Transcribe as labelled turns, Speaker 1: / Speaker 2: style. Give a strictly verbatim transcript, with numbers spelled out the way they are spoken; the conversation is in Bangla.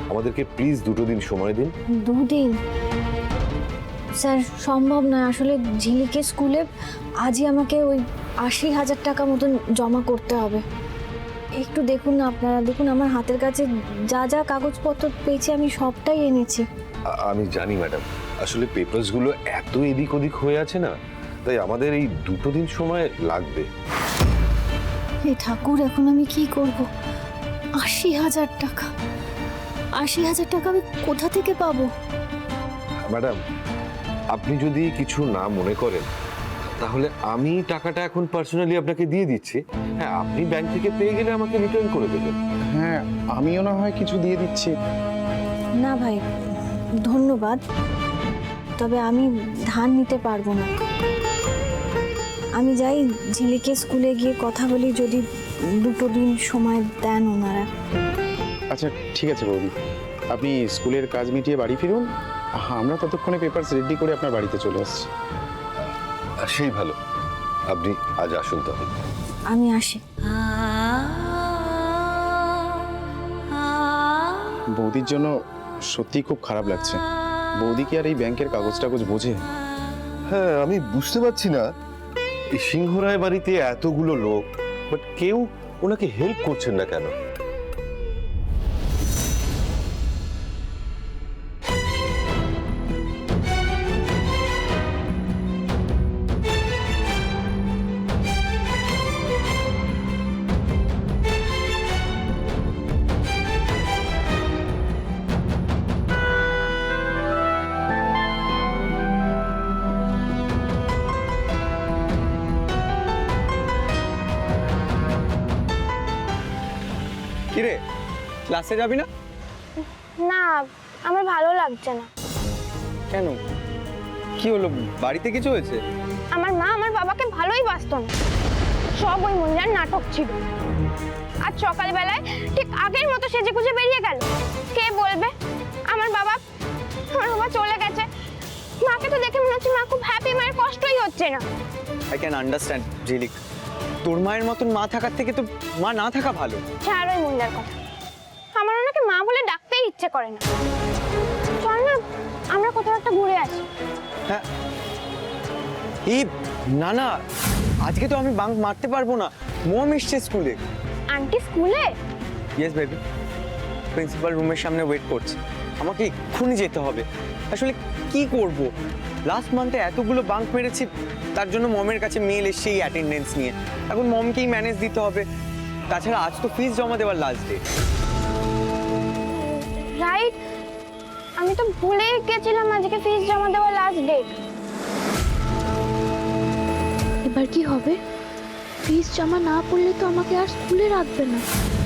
Speaker 1: আমাদেরকে প্লিজ দুটো দিন সময় দিন।
Speaker 2: দুদিন স্যার সম্ভব নয়, আসলে ঝিলিকের স্কুলে আজই আমাকে ওই আশি হাজার টাকা মতন জমা করতে হবে। একটু দেখুন না আপনারা, দেখুন আমার হাতের কাছে যা যা কাগজপত্র পেয়েছি আমি সবটাই এনেছি।
Speaker 1: আ- আমি জানি ম্যাডাম, আসলে পেপারসগুলো এত এদিক ওদিক হয়ে আছে না, তাই আমাদের এই দুটো দিন সময় লাগবে।
Speaker 2: হে ঠাকুর, এখন আমি কি করব? আশি হাজার টাকা আশি হাজার টাকা আমি কোথা থেকে পাবো?
Speaker 1: ম্যাডাম, আপনি যদি কিছু না মনে করেন তাহলে আমি টাকাটা এখন পার্সোনালি আপনাকে দিয়ে দিচ্ছি। হ্যাঁ, আপনি ব্যাংক থেকে পেয়ে গেলে আমাকে রিটার্ন করে দেবেন।
Speaker 3: হ্যাঁ, আমিও না হয় কিছু দিয়ে দিচ্ছি।
Speaker 2: না ভাই, ধন্যবাদ, তবে আমি ধার নিতে পারবো না। আমি যাই ঝিলিকে স্কুলে গিয়ে কথা বলি, যদি দুটো দিন সময় দেন ওনারা।
Speaker 3: আচ্ছা ঠিক আছে বৌদি, আপনি স্কুলের কাজ মিটিয়ে বাড়ি ফিরুন, আমরা ততক্ষণে পেপারস রেডি করে আপনার বাড়িতে চলে আসছি।
Speaker 1: আর সেই ভালো, আপনি আজ আসুন তাহলে।
Speaker 2: আমি আসি।
Speaker 3: বৌদির জন্য সত্যিই খুব খারাপ লাগছে। বৌদি কি আর এই ব্যাংকের কাগজ টাগজ বোঝে?
Speaker 1: হ্যাঁ, আমি বুঝতে পারছি না, এই সিংহরায় বাড়িতে এতগুলো লোক, বাট কেউ ওনাকে হেল্প করছেন না কেন?
Speaker 4: কিরে, ক্লাসে যাবি না?
Speaker 5: না, আমার ভালো লাগছে না।
Speaker 4: কেন, কি হলো? বাড়িতে কিছু হয়েছে?
Speaker 5: আমার মা আমার বাবাকে ভালোই বাসত না, সব ওই মন্দিরের নাটক ছিল। আজ সকালবেলায় ঠিক আগের মতো সেজে গুজে বেরিয়ে গেল। কে বলবে আমার বাবা আমার বাবা চলে গেছে? মাকে তো দেখে মনে হচ্ছে মা খুব হ্যাপি, মায়ের কষ্টই হচ্ছে না।
Speaker 4: আই ক্যান আন্ডারস্ট্যান্ড ঝিলিক, তোর মায়ের মতন মা থাকার থেকে তো মা না থাকা ভালো।
Speaker 5: ছাড় ওই মন্দিরের কথা, আমার ওনাকে মা বলে ডাকতেই ইচ্ছে করে না। চল না আমরা কোথাও একটা ঘুরে আসি।
Speaker 4: হ্যাঁ, এই না না, আজকে তো আমি বাঙ্ক মারতে পারবো না, মম এসছে স্কুলে।
Speaker 5: আন্টি স্কুলে?
Speaker 4: ইয়েস বেবি, প্রিন্সিপাল রুমের সামনে ওয়েট করছে, আমাকে এক্ষুনি যেতে হবে। আসলে কি করব, লাস্ট মান্থে এতগুলো বাঙ্ক মেরেছি, তার জন্য মমের কাছে মেল এসছে এই অ্যাটেন্ডেন্স নিয়ে। এখন মমকেই ম্যানেজ দিতে হবে, তাছাড়া আজ তো ফিস জমা দেওয়ার লাস্ট ডে।
Speaker 5: রাইট, আমি তো ভুলেই গেছিলাম আজকে ফিস জমা দেওয়ার লাস্ট ডেট।
Speaker 6: এবার কি হবে? ফিস জমা না পড়লে তো আমাকে আর স্কুলে রাখবে না।